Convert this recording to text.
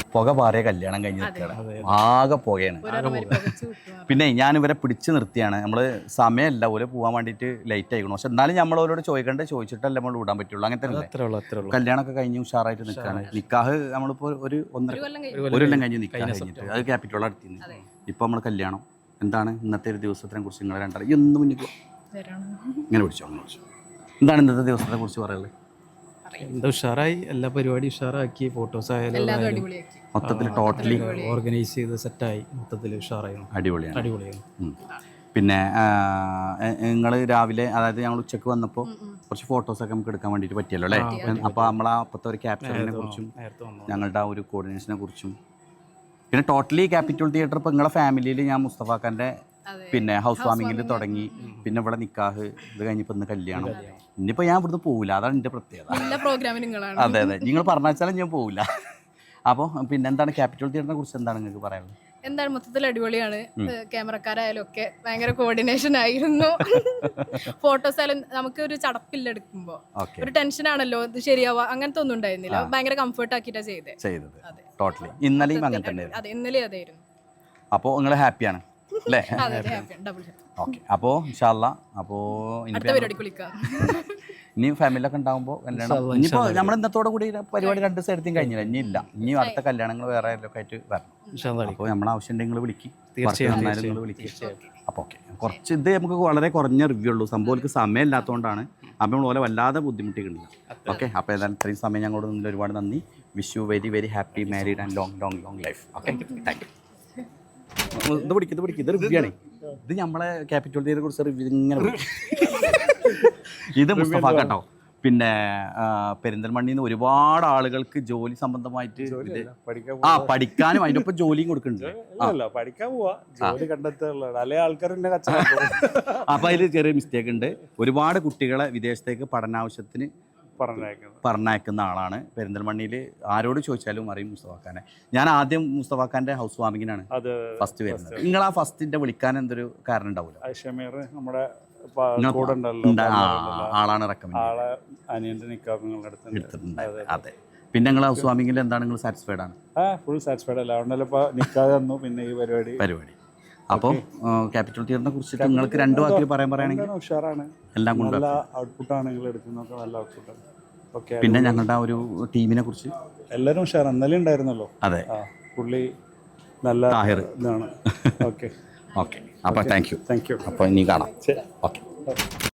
പുക പാറിയ കല്യാണം കഴിഞ്ഞ് നിൽക്കുകയാണ്, ആകെ പുകയാണ്. പിന്നെ ഞാൻ ഇവരെ പിടിച്ചു നിർത്തിയാണ്, നമ്മൾ സമയമല്ല ഓരോ പോകാൻ വേണ്ടിയിട്ട് ലേറ്റ് ആയിക്കണം. പക്ഷെ എന്നാലും നമ്മളോരോട് ചോദിച്ചിട്ടല്ല നമ്മൾ വിടാൻ പറ്റുള്ളൂ. അങ്ങനത്തെ കല്യാണമൊക്കെ കഴിഞ്ഞ് ഉഷാറായിട്ട് നിൽക്കുകയാണ്. നിക്കാഹ് നമ്മളിപ്പോൾ ഒരു കൊല്ലം കഴിഞ്ഞ് നിക്കാഹ് കഴിഞ്ഞിട്ട് അത് ക്യാപിറ്റോൾ അടുത്തിന്ന് ഇപ്പം നമ്മൾ കല്യാണം. എന്താണ് ഇന്നത്തെ ഒരു ദിവസത്തിനെ കുറിച്ച് നിങ്ങൾ രണ്ടാളും ഇന്ന് മുന്നിൽ ഇങ്ങനെ പിടിച്ചോ എന്താണ് ഇന്നത്തെ ദിവസത്തെ കുറിച്ച് പറയുള്ളത്? എന്താ ഉഷാറായി, എല്ലാ പരിപാടിയും ഉഷാറാക്കി, ഫോട്ടോസ് ആയാലും മൊത്തത്തിൽ ടോട്ടലി ഓർഗനൈസ് ചെയ്ത് സെറ്റായി, മൊത്തത്തിൽ ഉഷാറായി, അടിപൊളിയാണ്. പിന്നെ നിങ്ങൾ രാവിലെ, അതായത് ഞങ്ങൾ ഉച്ചക്ക് വന്നപ്പോൾ കുറച്ച് ഫോട്ടോസൊക്കെ നമുക്ക് എടുക്കാൻ വേണ്ടിയിട്ട് പറ്റിയല്ലോ അല്ലേ? അപ്പോൾ നമ്മളാ അപ്പോഴത്തെ ഒരു ക്യാപ്ചറിനെ കുറിച്ചും ഞങ്ങളുടെ ആ ഒരു കോർഡിനേഷനെ കുറിച്ചും, പിന്നെ ടോട്ടലി ക്യാപിറ്റൽ തിയേറ്റർ ഇപ്പോൾ നിങ്ങളുടെ ഫാമിലിയിൽ ഞാൻ മുസ്തഫാക്കാൻ്റെ പിന്നെ ഹൗസ് വാമിങ്ങിൽ തുടങ്ങി, പിന്നെ ഇവിടെ നിക്കാഹ്, ഇത് കഴിഞ്ഞപ്പോൾ ഇന്ന് കല്യാണം. ഇനിയിപ്പോൾ ഞാൻ ഇവിടുന്ന് പോകില്ല, അതാണ് എൻ്റെ പ്രത്യേകത. അതെ നിങ്ങൾ പറഞ്ഞാൽ ഞാൻ പോകില്ല. അപ്പോൾ പിന്നെ എന്താണ് ക്യാപിറ്റൽ തിയേറ്ററിനെ കുറിച്ച് എന്താണ് നിങ്ങൾക്ക് പറയാനുള്ളത്? എന്താണ് മൊത്തത്തിൽ അടിപൊളിയാണ്. ക്യാമറക്കാരായാലും ഒക്കെ ഭയങ്കര കോർഡിനേഷൻ ആയിരുന്നു. ഫോട്ടോസ് ആയാലും നമുക്ക് ഒരു ചടപ്പില്ല എടുക്കുമ്പോ, ഒരു ടെൻഷൻ ആണല്ലോ ഇത് ശരിയാവാ, അങ്ങനത്തെ ഒന്നും ഉണ്ടായിരുന്നില്ല. ഭയങ്കര കംഫർട്ട് ആക്കിയിട്ടാ ചെയ്തത്. ടോട്ടലി ഇന്നലെയും അങ്ങനെ തന്നെ. അതെ, ഇന്നലെ അതായിരുന്നു. അപ്പോൾ നിങ്ങൾ ഹാപ്പിയാണ് അല്ലേ? ഓക്കെ, അപ്പോൾ ഇൻഷാ അല്ലാ, അപ്പോൾ ഇനി ഫാമിലിയൊക്കെ ഉണ്ടാകുമ്പോൾ കല്യാണം, ഇനിയിപ്പോൾ നമ്മൾ ഇന്നത്തോടെ കൂടി പരിപാടി 2 ദിവസം കഴിഞ്ഞില്ല, ഇനി അടുത്ത കല്യാണങ്ങൾ വേറെ ഒക്കെ ആയിട്ട് വരണം. അപ്പോൾ നമ്മളെ ആവശ്യം ഉണ്ടെങ്കിൽ നിങ്ങൾ വിളിക്കും, തീർച്ചയായും വിളിക്കും. അപ്പോൾ ഓക്കെ, കുറച്ച് ഇത് നമുക്ക് വളരെ കുറഞ്ഞ റിവ്യൂ ഉള്ളൂ, സംഭവം സമയമില്ലാത്തതുകൊണ്ടാണ്. അപ്പോൾ നമ്മൾ പോലെ വല്ലാതെ ബുദ്ധിമുട്ടിക്കുന്നില്ല. ഓക്കെ, അപ്പോൾ ഏതായാലും ഇത്രയും സമയം ഞങ്ങളോട് നിന്നിൽ ഒരുപാട് നന്ദി. Wish you very very happy married and long life. Okay, thank you. ഇത് പിടിക്കും, ഇത് റിവ്യൂ ആണ്. ഇത് നമ്മളെ ക്യാപിറ്റൽ തിയേറ്ററെ കുറിച്ച് റിവ്യൂ ഇങ്ങനെ. ഇത് മുസ്തഫ കേട്ടോ. പിന്നെ പെരിന്തൽമണ്ണിൽ നിന്ന് ഒരുപാട് ആളുകൾക്ക് ജോലി സംബന്ധമായിട്ട് പഠിക്കാനും അതിൻ്റെ ഒപ്പം ജോലിയും കൊടുക്കുന്നുണ്ട്. അപ്പൊ അതിൽ ചെറിയ മിസ്റ്റേക്ക് ഉണ്ട്. ഒരുപാട് കുട്ടികളെ വിദേശത്തേക്ക് പഠനാവശ്യത്തിന് പറഞ്ഞയക്കുന്ന ആളാണ്. പെരിന്തൽമണ്ണിയിൽ ആരോട് ചോദിച്ചാലും അറിയും മുസ്തഫാഖാനെ. ഞാൻ ആദ്യം മുസ്തഫാഖാന്റെ ഹൗസ് വാമിങ്ങിനാണ് ഫസ്റ്റ് വരുന്നത്. നിങ്ങൾ ആ ഫസ്റ്റിന്റെ വിളിക്കാൻ എന്തൊരു കാരണം ഉണ്ടാവില്ല? ആളാണ് റെക്കമെൻഡ്. അതെ, പിന്നെ നിങ്ങൾ ഹൗസ് വാമിങ്ങിൽ എന്താണ് നിങ്ങൾ സാറ്റിസ്ഫൈഡ് ആണ്? ഫുൾ സാറ്റിസ്ഫൈഡ് അല്ല, അതുകൊണ്ടല്ലോ പിന്നെ ഈ പരിപാടി. അപ്പോൾ ക്യാപിറ്റൽ തിയേറ്ററിനെ കുറിച്ചിട്ട് നിങ്ങൾക്ക് 2 വാക്കിൽ പറയുകയാണെങ്കിൽ ഉഷാറാണ്, എല്ലാം കൊണ്ട് നല്ല ഔട്ട്പുട്ടാണ് നിങ്ങൾ എടുക്കുന്നതൊക്കെ, നല്ല ഔട്ട്പുട്ടാണ്. ഓക്കെ, പിന്നെ ഞങ്ങളുടെ ആ ഒരു ടീമിനെ കുറിച്ച് എല്ലാവരും ഉഷാറാണ്. ഇന്നലെ ഉണ്ടായിരുന്നല്ലോ. അതെ, പുള്ളി നല്ല ഇതാണ്. ഓക്കെ, അപ്പോൾ താങ്ക് യു. Thank you. അപ്പോൾ ഇനി കാണാം. ഓക്കെ.